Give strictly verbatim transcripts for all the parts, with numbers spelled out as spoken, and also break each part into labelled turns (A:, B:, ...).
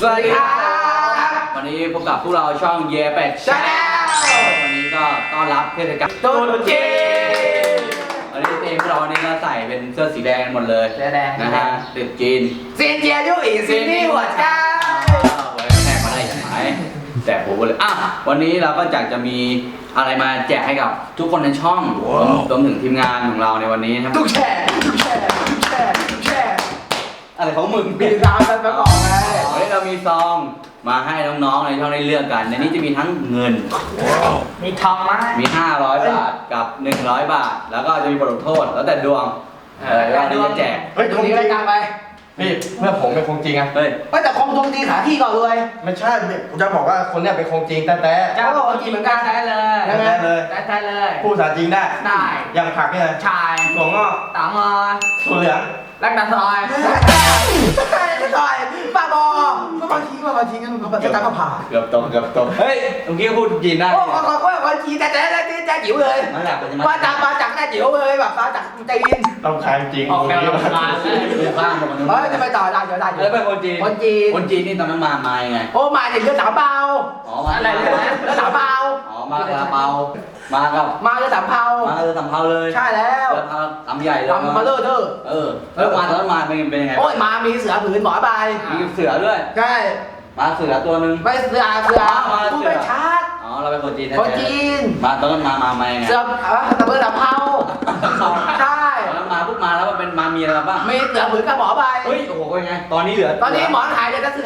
A: สวัสดีครับวันนี้พบกับพวกเราช่องเยเป็ดชาแนลวันนี้ก็ต้อนรับเทศกาลตรุษจีนวันนี้เองพวกเราวันนี้ก็ใส่เป็นเสื้อสีแดงหมดเลย
B: เสื้อแดง
A: นะฮะตรุษจีน
B: ซินเจียยุ่ยซินนี่หัวใจ
A: ไว้แทกมาได้ยังไงแต่ผมเลยอ่ะวันนี้เราก็อยากจะมีอะไรมาแจกให้กับทุกคนในช่องรวมถึงทีมงานของเราในวันนี้นะครับ
B: ทุกแชร์ทุกแชร์ทุกแชร์ทุกแชร์
A: อะไรของมึง
B: มีราวกันมาก่อนไง
A: วันนี้เรามีซองมาให้น้องๆในช่องได้เลือกกันในนี้จะมีทั้งเงิน
B: มีทองไหม
A: มีห้าร้อยบาทกับหนึ่งร้อยบาทแล้วก็จะมีบทลงโทษแล้วแต่ดวงเออว่านี่จะแจก
B: เฮ้ยตรงนี้รายการไป
C: พี่เพื่อผมเป็นคงจริงอะ
A: เฮ้ย
B: ไม่แต่คงตรงจริงหาที่ก่อนเลย
C: ไม่ใช่ผมจะบอกว่าคนเนี้ยเป็นคงจริงแต่แต่
B: จะบอกคนจริงเหมือนกันได้เลย
C: ได้เลย
B: ได้เลย
C: พูดภาษาจริงได้
B: ได้
C: อย่างผักเนี่ย
B: ชาย
C: ถั่วงอก
B: ตามอ
C: ถั่วเหลือง
B: รักดาซอยซอยป้าบอป้าบอทิ้งป้าบอทิ้งกันป้าจะตามมาผ่า
A: เกือบตกเกือบตกเฮ้ยเมื่อกี้พูดจีนได้
B: โอ้ขอขอขอขอจีนแต่แต่แต่แต่จิ๋วเลย
A: มันแหละเป็น
B: มาจากมาจากแต่จิ๋วเลยแบบมาจากจีน
C: ต้องขายจริง
B: ออกแนวโบราณเลย
A: ข้ามไปคนนึง
B: เฮ้ยจะไปต่อได้เดี๋ยวได้
A: แล้วเป็นคนจีน
B: คนจีน
A: คนจีนนี่ตอนนั้นมามาไง
B: โอ้มาเนี่ยเรือสามเปา
A: อ๋อมา
B: อะไรเรือสามเปา
A: อ๋อมาเรือเปามากับ
B: มาเรือสามเปา
A: มาเรือสามเปาเลย
B: ใช่แล้ว
A: เรือสามใหญ่เลย
B: ทำมาเลิศเด้อ
A: เออแล้วมาตอนนั้นมาเป็นเป็นยังไง
B: โอ้ยมามีเสือผืนหมอใบ
A: มีเสือด้วย
B: ใช่
A: มาเสือตัวนึง
B: ไม่เสือเสือผู้ไปชาร์จ
A: อ๋อเราเป็นคนจีน
B: คนจีน
A: มาตอนนั้นมามามาไง
B: เสือเออตะเบิดตะเภาใช่
A: ตอนนั้นมาปุ๊บมาแล้วมันเป็นมามีอะไรบ้าง
B: มีเสือผืนกับหมอใบ
A: เฮ้ยโอ้โหเป็นไงตอนนี้เหลือ
B: ตอนนี้หมอนหายเลยนะเสือ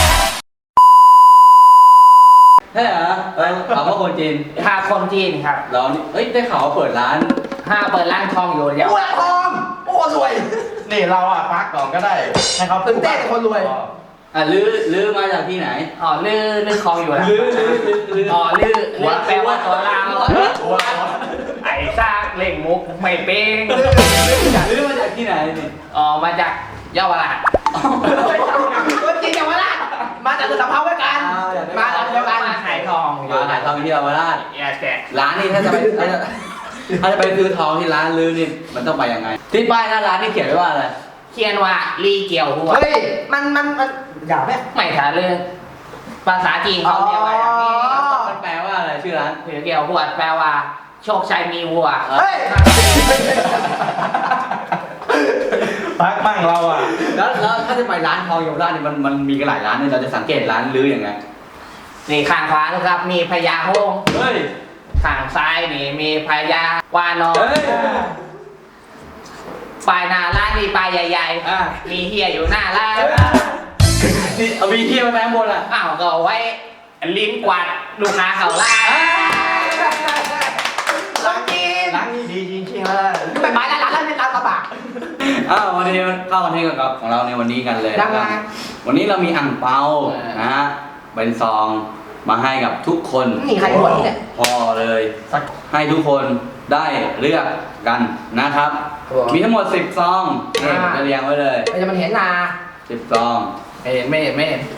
A: ใช่เหรอเออเขาว่าคนจีน
B: ค่ะคนจีนครับ
A: เราเฮ้ยได้ข่าวว่าเปิดร้าน
B: ห้าเปิดร้านทองอยู่เดี๋ยวทองโอ้รวย
C: นี่เราอ่ะพักก่อนก็ได้ให้เขา
B: ตื่นเต้นคนรวย
A: อ่ะลื้อลื้อมาจากที่ไหน
B: อ๋อลื้อลื้อคลองอยู่แล้ว
A: ลื้อลื้อลื้อ
B: อ๋อลื้อลื้อแปลว่าตัวเราไอ้ซากเล่งมุกไม่เป้ง
A: ลื้อมาจากที่ไหนนี่
B: อ๋อมาจากเยาวราชคนจีนเยาวราชมาจากสะเพาไว้กันมาจากเดียวกันมาขายทอง
A: มาขายทองที่เยาวราชร้านนี้ถ้าจะไปถ้าจะไปซื้อทองที่ร้านลื้อนี่มันต้องไปยังไงที่ป้ายหน้าร้านนี่เขียนไว้ว่าอะไร
B: เขียนว่าลีเกี่ยวหัวเฮ้ยมันมันมันหยาบไหมไม่ถ่ายเลยภาษาจีนเขาเรียกว่าอย่างนี้
A: มันแปลว่าอะไรชื่อร้าน
B: ลีเกี่ยวหัวแปลว่าโชคชัยมีวัวเฮ้ย
C: พักบ้างเราอ่ะ
A: แล้วแล้วถ้าจะไปร้านทองเยาวราชเนี่ยมันมันมีกันหลายร้านเนี่ยเราจะสังเกตร้านลื้อยังไง
B: นี่ข้างขวานะครับมีพญาหงส์
A: เฮ้ย
B: ข้างซ้ายนี่มีพญาวานอนปลายหน้าร้านมีปลายใหญ่ๆมีเฮียอยู่หน้าร้าน
A: นี่เอามีเฮียมาแปลงบนอ่ะ
B: อ้าวก็ไว้ลิ้นกวาดลูกค้าเขาล่าล้างจีน
C: ล้างนี่ดีจริงๆเลย
B: ไปไม้ร้านร้านนี่ร้านกระบะ
A: อ้าววันนี้เข้ากันที่กับของเราในวันนี้กันเลยนะครับวันนี้เรามีอั่งเปานะฮะเป็นซองมาให้กับทุกคน
B: นี่ใครหมดเนี่ย
A: พอเลยให้ทุกคนได้เลือกกันนะครับมีทั้งหมดสิบซองนี่จะเรียงไว้เลย
B: จะมันเห็นนา
A: สิบซอง
B: ไม่เห็นไม่เห็นไม่เห็น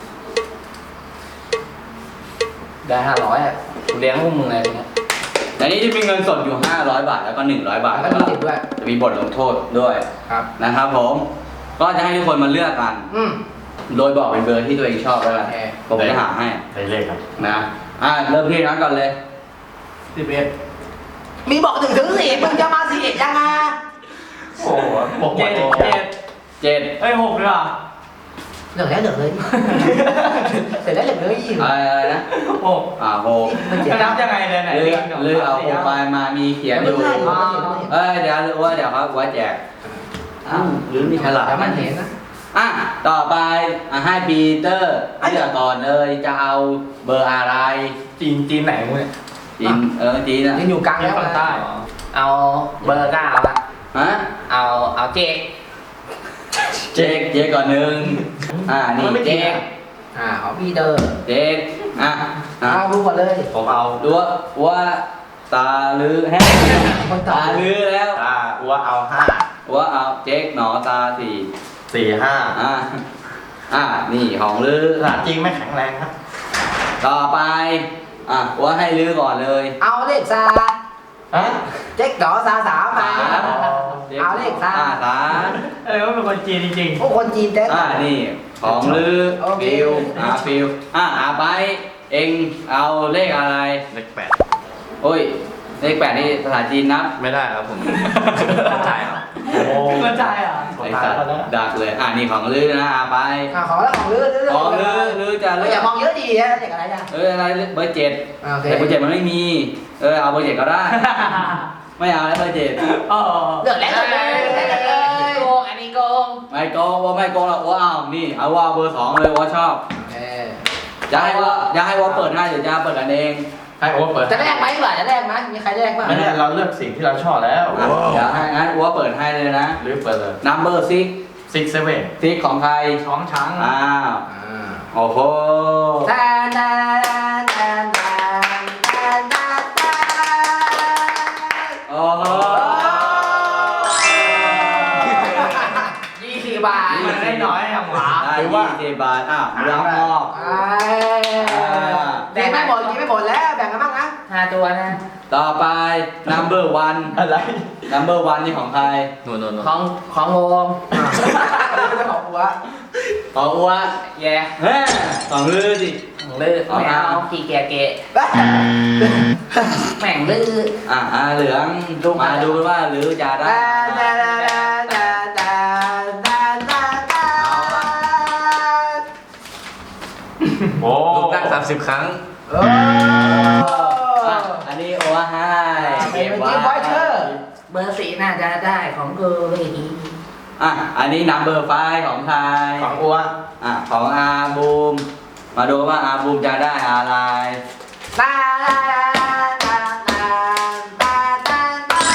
B: ได้ห้าร้อยอ่ะเลี้ยงพวกมึงอะไรเนี่ย
A: ในนี้จะมีเงินสดอยู่ห้าร้อยบาทแล้วก็หนึ่งร้อยบาท
B: แล้วก็มีติดด้วย
A: จะมีบทลงโทษด้วย
B: ครับ
A: นะครับผมก็จะให้ทุกคนมาเลือกกันโดยบอกเป็นเบอร์ที่ตัวเองชอบแล้วกันผมจะหาให้
C: ใส่เลขครับ
A: นะอ่าเริ่มที่นั้นก่อนเลย
B: สิบเอ็ดมีบอกถึงถึงสี่มึงจะมาสี่เอ็ดยังไง
C: โอ้โหบอกเจ็ด
A: เจ็ดเจ็ด
B: เอ้ยหกเลยอ่ะเหลือแล้วเหลือเลยเสร็จแล้วเหลือเลยอีก
A: อะไรนะ
C: หก
A: อ่าหก
B: จะนับยังไงเนี่ยไหน
A: เลือกเอาหกไปมามีเขียนอยู่เอ้ยเดี๋ยวว่าเดี๋ยวครับว่าแจกอ้าวหรือมีฉลาก
B: มันเห็นนะ
A: อ่ะต่อไปอ่ะให้ปีเตอร์เลือกก่อนเลยจะเอาเบอร์อะไร
C: จีนจีนไหนมึงเนี่ย
A: จีนเออจีนอ่ะ
B: ยังอยู่กลางแล้วใต้เอาเบอร์เก้าละ
A: ฮะ
B: เอาเอาเจ๊ก
A: เจ๊กเจ๊กก่อนหนึ่งอ่านี่เจ๊ก
B: อ่าเอาปีเตอร์
A: เจ๊กอ่ะ
B: เอาดูก่อนเลย
C: ผมเอา
A: ดูว่าตาลือแห้งตาลือแล้ว
C: ตาว่าเอาห้า
A: ว่าเอาเจ๊กหนอตาสี่
C: สี่ห้า
A: อ่าอ่านี่ของลือ
C: ภาษาจริงไม่แข็งแรงครับ
A: ต่อไปอ่ะว่าให้ลือก่อนเลย
B: เอาเลขซา
C: ฮะ
B: เจ๊กหนอซาสามมาเอาเลขซา
A: อ่าสาม
C: เออว่าเป็นคนจีนจริง
B: ๆโอ้คนจีนแท้
A: อ่านี่ของลือฟิวอ่าฟิวอ่ะอ่าไปเองเอาเลขอะไร
C: เลขแปด
A: โอ้ยเลขแปดนี่ภาษาจีนนับ
C: ไม่ได้ครับผมเข้าใจเหรอโอ้
B: เข้าใจเหรอ
A: ไอ้สัตว์ดักเลยอ่ะนี่ของลือนะอ่าไป
B: อ่าของแล้วของลือลือ
A: ของลือลือจะ
B: เอ
A: เลื
B: อ
A: อ
B: อย่ามองเยอะดีนะเด็กอะไรเนี่ย
A: เอออะไรเบอร์เจ็ด
B: โอเค
A: แต่เบอร์เจ็ดมันไม่มี เออเอาเบอร์เจ็ดก็ได้ ไม่เอาแล้วเบอร์เจ็ด
B: เลือกแล้วเลยเลือกเลยโกงอันนี้โกง
A: ไม่โกงว่าไม่โกงหรอกว่าเอานี่เอาว่าเบอร์สองเลยว่าชอบ
B: เออ
A: จะให้ว่าจะให้ว่าเปิดให้หรือจะเปิดกันเอง
C: ให้โอ๊ตเปิด
B: จะแลกไหมดีกว่าจะแลกไหมมีใครแลกบ้าง
C: ไม่ได้เราเลือกสิ่งที่เราชอบแล้ว
A: อ่ะเดี๋ยวให้งั้นว่าเปิดให้เลยนะ
C: หรือเปิดเลย
A: number six
C: six seven
A: six ของใคร
C: ช้องช้าง
A: อ้าวโอ้โห
B: แทนแทนแทนแทนแทนแทนแทน
A: โอ้โห
B: ยี่สิบบาท
C: มันได้น้อยอะหมา
A: ได้
C: หรือว่า
A: ยี่สิบบาทอ้าวเรื่องออก
B: ไอ้แบ่งไม่หมดกินไม่หมดแล้วแบ่งกันบ้างนะห้าตัวนะ
A: ต่อไป number one
C: อะไร
A: number one นี่ของใคร
C: โน่นโน่น
B: ของของโฮมไม่ของหัว
A: ของอ้ว
B: แย่
A: เฮ้ยของลือดิ
B: ของลือไม่เอากี่แกเกะแม่งลือ
A: อ่ะอ่ะเหลืองมาดูกันว่าลือจะได้
C: โอ้
D: ลูกตั้งสามสิบครั้ง
B: โอ้
A: อ่ะอันนี้โอ้ให้
B: เก็บไว้ไว้เชอร์เบอร์สี่น่าจะได้ของกูเลย
A: อ่ะอันนี้ number five ของใคร
C: ของอ้วน
A: อ่ะของอาบูมมาดูว่าอาบูมจะได้อะไร
B: ตาตาตาตาตาตาตา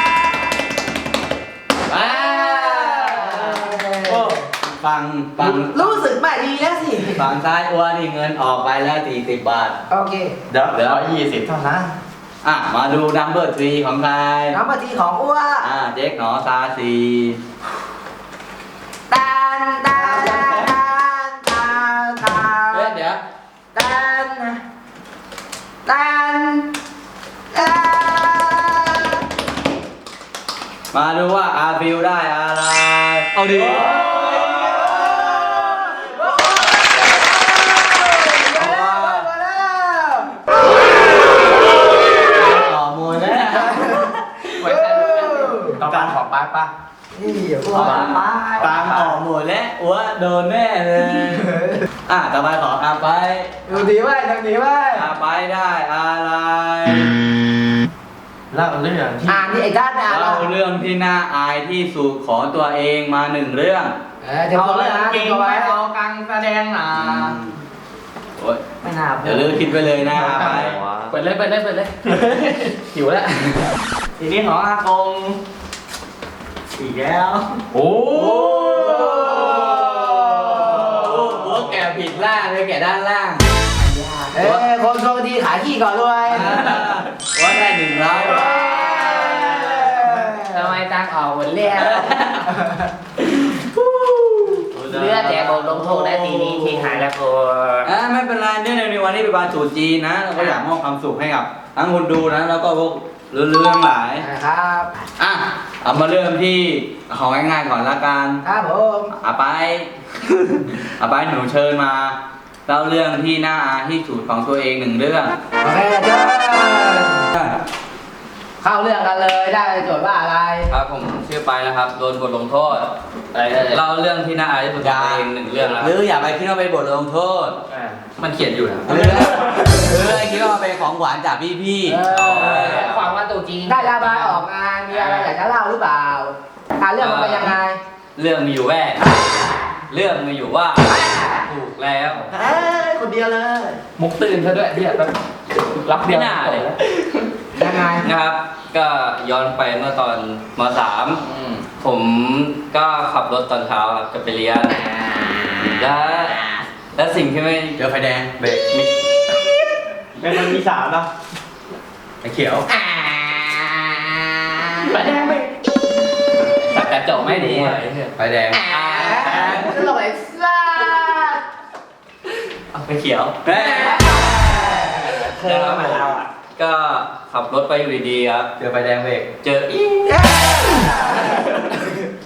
A: ว้าวโอ้ฟังฟัง
B: รู้สึกไม่ดีแล้วสิ
A: ฝั่งซ้ายอ้วนนี่เงินออกไปแล้วสี่สิบบาท
B: โอเค
C: เดี๋ยวเหลือยี่สิบเท่านั้น
A: อ่ะมาดู number three ของใคร
B: น้ำปฏิของอ้ว
A: อ่ะเจ๊กหนอซาซี
B: ตานตานตานตานตา
A: เฮ้ยเดี๋ยว
B: ตานตานตาน
A: มาดูว่าอาฟิวได้อะไร
D: เอาดิ
A: ต่อมูลแล้ว
C: ต้องการของป้าป้า
B: นี่อ้ว
A: ปามออกหมดแล้วอ้วนโดนแน่เลย อ่ะต่อไปขออาไป
B: ดูดีไว้ดูดีไว้
A: อาไปได้อะไร
C: เล่าเรื่องที่
B: อ่านนี่ไอ้ด้านอ่าน
A: เล่าเรื่องที่น่าอายที่สุดของตัวเองมาหนึ่งเรื่อง
B: เออเดี๋ยวตัวไว้นะเดี๋ยวตัวไว้
C: เอากังแสดงนะ
A: โอ๊ย
B: ไม่น่า
A: เดี๋ยวเลือกคิดไปเลยนะอาไป
B: เปิดเลยเปิดเลยเปิดเลยหิวแล้ว
C: ทีนี้ของอากง
A: อีกแล้ว
C: โอ้
A: หัวแกะผิดล่างเลยแกะด้านล่าง
B: เอ้ยคนโชคดีขายขี้ก่อนด้วย
A: ว่าได้หนึ่งร้อยบาท
B: ทำไมตังออกหมดแล้วเลือดแต่บทลงโทษและทีนี้ที่หายแล้วกู
A: อ่าไม่เป็นไรเนื่องในวันนี้เป็นวันตรุษจีนนะเราก็อยากมอบความสุขให้กับทั้งคนดูนะแล้วก็พวกเรื่องทั้งหลาย
B: ครับ
A: อ่ะเอามาเริ่มที่ของง่ายๆก่อนละกัน
B: ครับผม
A: อาไป อาไปหนูเชิญมาเล่าเรื่องที่น่าอายที่สุดของตัวเองหนึ่งเรื่อง
B: โอเคเชิญเข้าเรื่องกันเลยได้โจทย์ว่าอะไร
D: ครับผมชื่อไปนะครับ โดนบทลงโทษเล่าเรื่องที่น่าอายที่สุดของตัวเองหนึ่งเรื่องนะ
A: หรืออย่าไปคิดว่าเป็นบทลงโทษ
D: มันเขียนอยู่นะ
A: หรือหรือคิดว่าเป็นของหวานจากพี่
B: เออความว่าตัวจริงได้ระบายออกมามีอะไรอยากจะเล่าหรือเปล่าอ่าเรื่องมันเป็นยังไง
D: เรื่องมีอยู่แว่เรื่องมีอยู่ว่าถูกแล้ว
B: เอ้ยคนเดียวเลย
D: มุกตื่นซะด้วยเดี๋ยวรับไม่น่าเลย
B: ยังไง
D: นะครับ ก็ย้อนไปเมื่อตอนมสามผมก็ขับรถตอนเช้าครับจะไปเรียนและและสิ่งที่ไม่
A: ๆเจอไฟแดง
D: เบรกมิ
C: เป็นมันมีสามเนาะ
A: ไฟเขียว
B: อ่า
D: ไฟแดงไปสักกระจกไม่ดี
A: ไฟแดง
B: อ่าตลกไอ้ซ่า
D: เอาไปเขียว
A: เฮ้ย
D: นะครับผมก็ขับรถไปอยู่ดีๆครับ
A: เจอไฟแดงเบรก
D: เจออี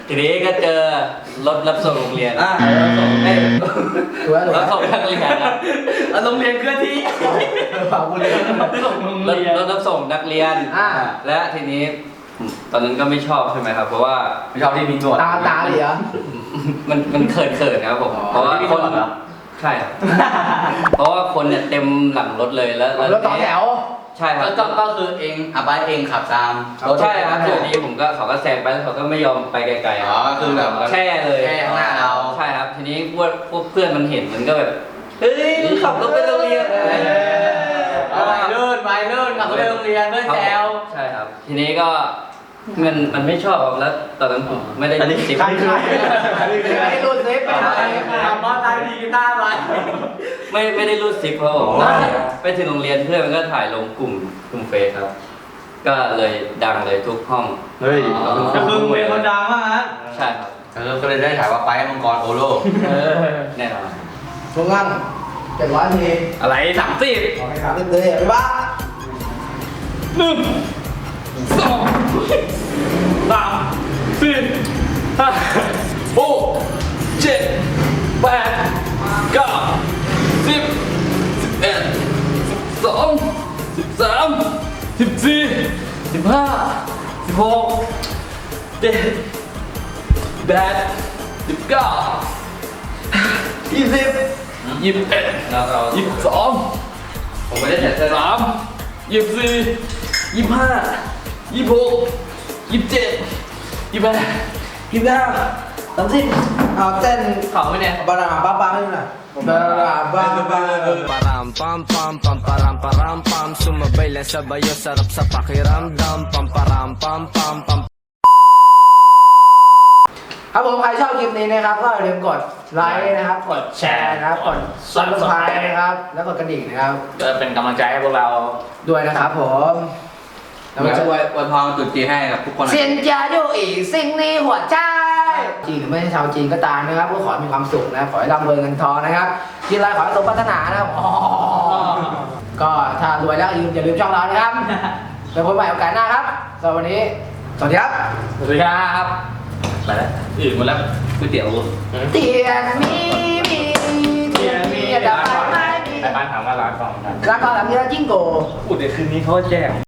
D: ทีนี้ก็เจอรถรับส่งโรงเรียน
A: อ่าเราส่งให้
B: ถูกแล้วถูก
D: รับ
B: แล้ว
D: ส่งนักเรียนครับ
A: โรงเรียนเคลื่อนที่
B: ฝากกูเลย
C: ส่งโรง
D: รถ
C: เรียน
D: รถรับส่งนักเรียน
B: อ่า
D: และทีนี้ตอนนั้นก็ไม่ชอบใช่ไหมครับ เพราะว่า
A: ไม่ชอบที่มีหนวด
B: ตาตาเหรอ
D: มันมันเขินเขินครับผม
A: อ๋อ
D: เพราะว่า
A: ที่มี
D: คน
A: หนวดเหรอ
D: ใช่ครับเพราะว่าคนเนี่ยเต็มหลังรถเลยแล้ว
B: รถต่อแถว
D: ใช่ครับ
A: ก็ก็คือเองอ่ะไปเองขับตามรถ
D: ใช่ครับทีนี้ผมก็เขาก็แซงไปแล้วเขาก็ไม่ยอมไปไกลๆ
A: อ๋อคือแบบ
D: แช่เลย
A: แช่ข้างหน้าเรา
D: ใช่ครับ ทีนี้พวกพวกเพื่อนมันเห็นมันก็แบบเฮ้ยมึงขับรถไปโรงเรียนอะไรอย่างเงี้ย
A: เอาไปเลื่อนไปเลื่อนขับรถไปโรงเรียนเพื่อนแซว
D: ใช่ครับ ทีนี้ก็มันมันไม่ชอบครับแล้วตอนนั้นผมไม่ได้
C: อันนี้
D: ติด
C: ใครใคร
B: ไม่ได้รูดซิปไปไหน
A: ขับมอเตอร์ไซค์ดีกีตาร์ไป
D: ไม่ไม่ได้รูดซิปครับผม
A: อ๋อ
D: ไปถึงโรงเรียนเพื่อนมันก็ถ่ายลงกลุ่มกลุ่มเฟซครับ ก็เลยดังเลยทุกห้อง
C: เฮ้ยก็คือเป็นคนดังมากนะ
D: ใช่ครับ
A: เออก็เลยได้ถ่ายว่าไปมังกรโอโล
D: แน่นอน
B: ทุกงั้นเจ็ดร้อยที
A: อะไรสามสิบ
B: ขอให้ครับเรื่อยๆไปบ้า
C: หนึ่งสองสามสี่ห้าหกเจ็ดแปดเก้าสิบสิบเอ็ดสิบสองสิบสามสิบสี่สิบห้าสิบหกเจ็ดแปดสิบเก้ายี่สิบยี่สิบเอ็ด
D: แล้วเรา
C: ยี่สิบสอง
D: ผมไม่ได้ใส่เสื้อ
C: สามยี่สิบสี่ยี่สิบห้ายี่สิบหกยี่สิบเจ็ดยี่สิบแปดยี่สิบเก้าสามสิบ
B: เอาเต้น
C: เขาไหมเนี่ย
B: บาราบ้าบ้าให้หน่อยบาราบ้าบ้า
E: Param pam pam pam param param pam Sumabay lang sabayo sarap sa pakiramdam Pam param pam pam pam
B: ครับผมใครชอบคลิปนี้นะครับก็อย่าลืมกดไลค์นะครับกดแชร์นะครับกดซับสไครต์นะครับแล้วกดกระดิ่งนะครับ
C: จะเป็นกำลังใจให้พวกเรา
B: ด้วยนะครับผม
A: แล้วก็อวยอวยพรตรุ๊จีนให้กับทุกคน
B: เซียนจาอยู่อีกสิ่งนี้หัวใจจีนหรือไม่ใช่ชาวจีนก็ตามนะครับก็ขอให้มีความสุขนะขอให้ร่ำรวยเงินทองนะครับกินอะไรขอให้สมปรารถนานะครับอ๋อก็ถ้ารวยแล้วอย่าลืมอย่าลืมช่องเรานะครับไปพบกันใหม่โอกาสหน้าครับสำหรับวันนี้สวัสดีครับ
C: สวัสดีครับไปแล้วอื่นหมดแล้วก๋วยเตี๋ยว
B: เตียนมีมีเตียนมีดับไฟไม่มี
C: ไปบ้านถามว่าร้านก่อนกัน
B: แล้วก็หลังนี้เราจิ้งโก
C: อุดเดี๋ยวคืนนี้เขาแจ้ง